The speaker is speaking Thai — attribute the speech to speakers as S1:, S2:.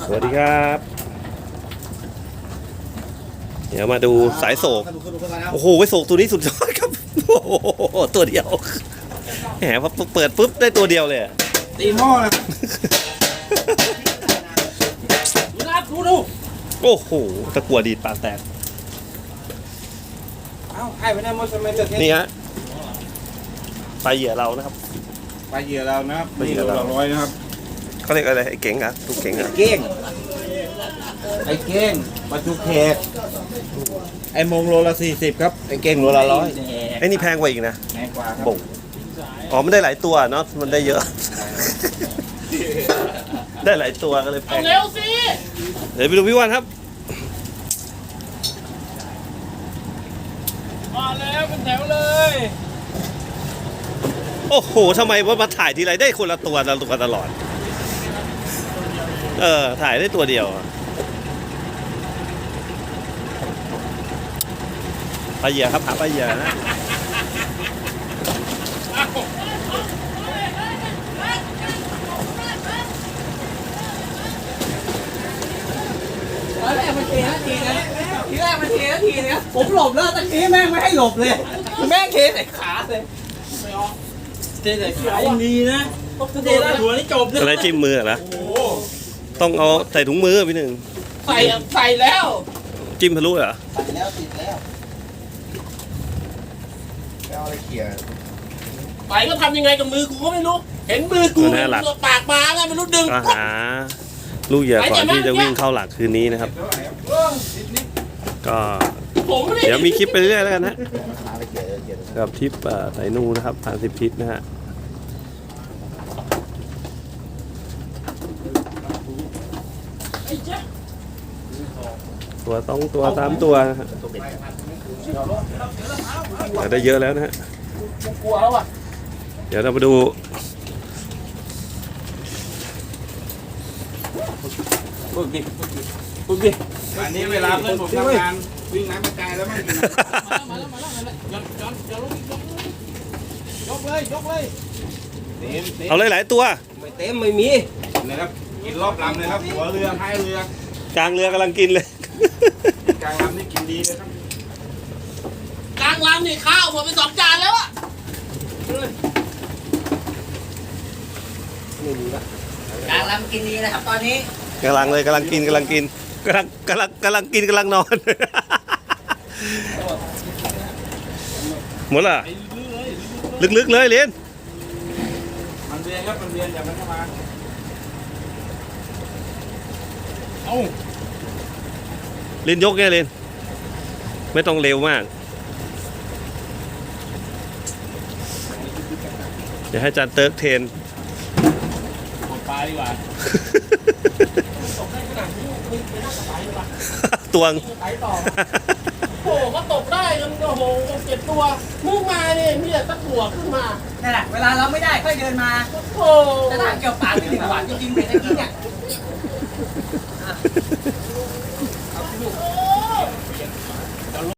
S1: สวัสดีครับ เดี๋ยวมาดูสายโศกโอ้โหโศกตัวนี้สุดยอดครับโอ้โหตัวเดียวแหมพอเปิดปุ๊บได้ตัวเดียวเลย
S2: ตีหม้อนะดู
S1: โอ้โหตะกั่วดีดปากแตก
S2: เอ้าให้ไปได้หมดสมัยเกิด
S1: นี่ฮะปลาเหยื่อเรานะครับ
S2: ปลาเหยื่อเรานะครับปลาเหยื่อเราร้อยนะครับ
S1: เขาเรียกอะไรไอ้เก๋งอ่ะทุกเก๋งอ่ะ
S2: เก้งไอ้เก้งปลาจุกแขกไอ้มงโลละ40ครับไอ้เก้งโลละ100
S1: ไอ้นี่แพงกว่าอีกนะ
S2: แพงกว่าครับ
S1: บ่งอ๋อมันได้หลายตัวเนาะมันได้เยอะได้หลายตัวก็เลยแพง
S3: เร็วสิ
S1: เดี๋ยวไปดูพี่วันครับ
S3: มาแล้วเป็นแถวเลย
S1: โอ้โหทำไมว่ามาถ่ายทีไรได้คนละตัวตลอดถ่ายได้ตัวเดียวปลาเหยื่อครับหาปลาเหยื่อนะ
S3: ตอนแรกมันเทนาทีนะทีแรกมันเทนาทีนะผมหลบแล้วตะกี้แม่งไม่ให้หลบเลยแม่งเทใส่ขาเลยไม่ออกเทใส่ขาอย่างดีนะเทใส่หัวนี่จบเลย
S1: อะไรจิ้มมือเหรอต้องเอาใส่ถุงมือพี่หนึ่ง
S3: ใส่แล้ว
S1: จิ้มทะลุเหรอ
S2: ใส่แล้วติดแล้วเอาอะไรเขี่ย
S3: ไปก็ทำยังไงกับมือกูก็ไม่รู้เห็นมือกูปากมาไงไม่รู้ดึง
S1: ก็หาลูกเหยื่อก่อนที่จะวิ่งเข้าหลักคืนนี้นะครับก็เดี๋ยวมีคลิปไปเรื่อยแล้วกันนะกับทริปสายนูนะครับ30ทิศนะฮะตัว2ตัว3ตัวนะฮะได้เยอะแล้วนะฮะ
S3: กลัวแล้วอ่ะ
S1: เดี๋ยวเรามาดู
S3: ฝึกดิ
S2: อันนี้เวลาเพื่อนผมทำงานวิ่งน้ำกระจายแล้วมันกิน
S3: มาแล้วยกเลย
S1: เอาเลยหลายตัว
S3: ไม่เต็มไม่มี
S2: นะครับกินรอบลำเลยครับหัวเรือท้ายเรือก
S1: ลางเรือกำลังกินเลย
S2: กลางลำนี่กินดีเลยครับ
S3: กลางลำนี่ข้าวหมดไป2 จานแล้วอ่ะกลางลำกินดีนะครับตอนนี้
S1: กำลังกินกำลังนอนหมดละลึกๆเลยเรียน
S2: มันเรียนครับมันเรียนอย่ามันเข้ามา
S1: เรียนยกไงเรียนไม่ต้องเร็วมากเดี๋ยวให้อาจารย์เติร์กเทน
S3: กดปลาดีกว่า
S1: ตวง
S3: โอ้ก็ตกได้กันโอ้โห7 ตัวมึงมาเนี่ยมีแต่ตะกั่วขึ้นมา
S4: นั่นแหละเวลาเราไม่ได้ค่อยเดินมา
S3: โอ้
S4: จะถามเกี่ยวปากหรือหวานจริงๆเป็นอย่างนี้เนี่ย